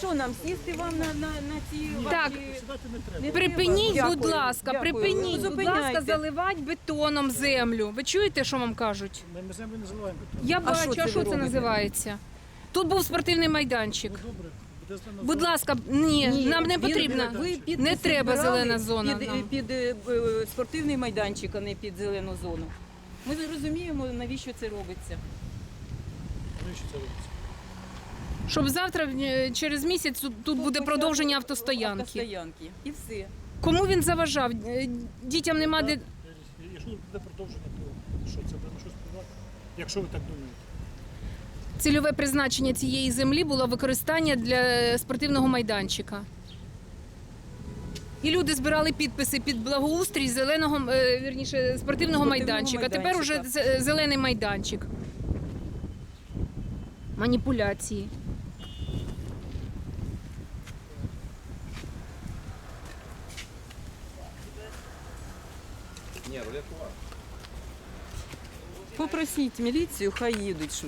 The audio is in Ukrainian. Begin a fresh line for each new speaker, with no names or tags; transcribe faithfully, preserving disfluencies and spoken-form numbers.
що нам сісти вам на, на, на ці
Так.
ваші...
Сідати не треба.
Не
Припиніть,
треба?
будь
Дякую.
ласка,
Дякую.
припиніть,
Ну,
будь ласка,
зупиняйте.
заливати бетоном землю. Ви чуєте, що вам кажуть?
Ми, ми землю не заливаємо.
Я
А
бачу,
що
а
це
що
ви
це
робите?
називається? Тут був спортивний майданчик.
Ну добре, буде зелена
Будь
зона.
ласка, ні,
Ні,
нам не
він-
потрібно.
Ви підписи
Не треба
збирали
зелена зона
Під,
нам.
під е, е, спортивний майданчик, а не під зелену зону. Ми не розуміємо, навіщо це робиться.
Навіщо це робиться?
Щоб завтра, е, через місяць, тут, тут буде продовження автостоянки.
Автостоянки. І все.
Кому він заважав? Е, Дітям нема де.
Так, якщо буде продовження, то що, це буде на щось впливати? Якщо ви так думаєте.
Цільове призначення цієї землі було використання для спортивного майданчика. І люди збирали підписи під благоустрій зеленого, е, вірніше, спортивного
Спортивного
майданчика. Тепер уже
майданчика.
з- зелений майданчик. Маніпуляції.
Попросіть міліцію, хай їдуть.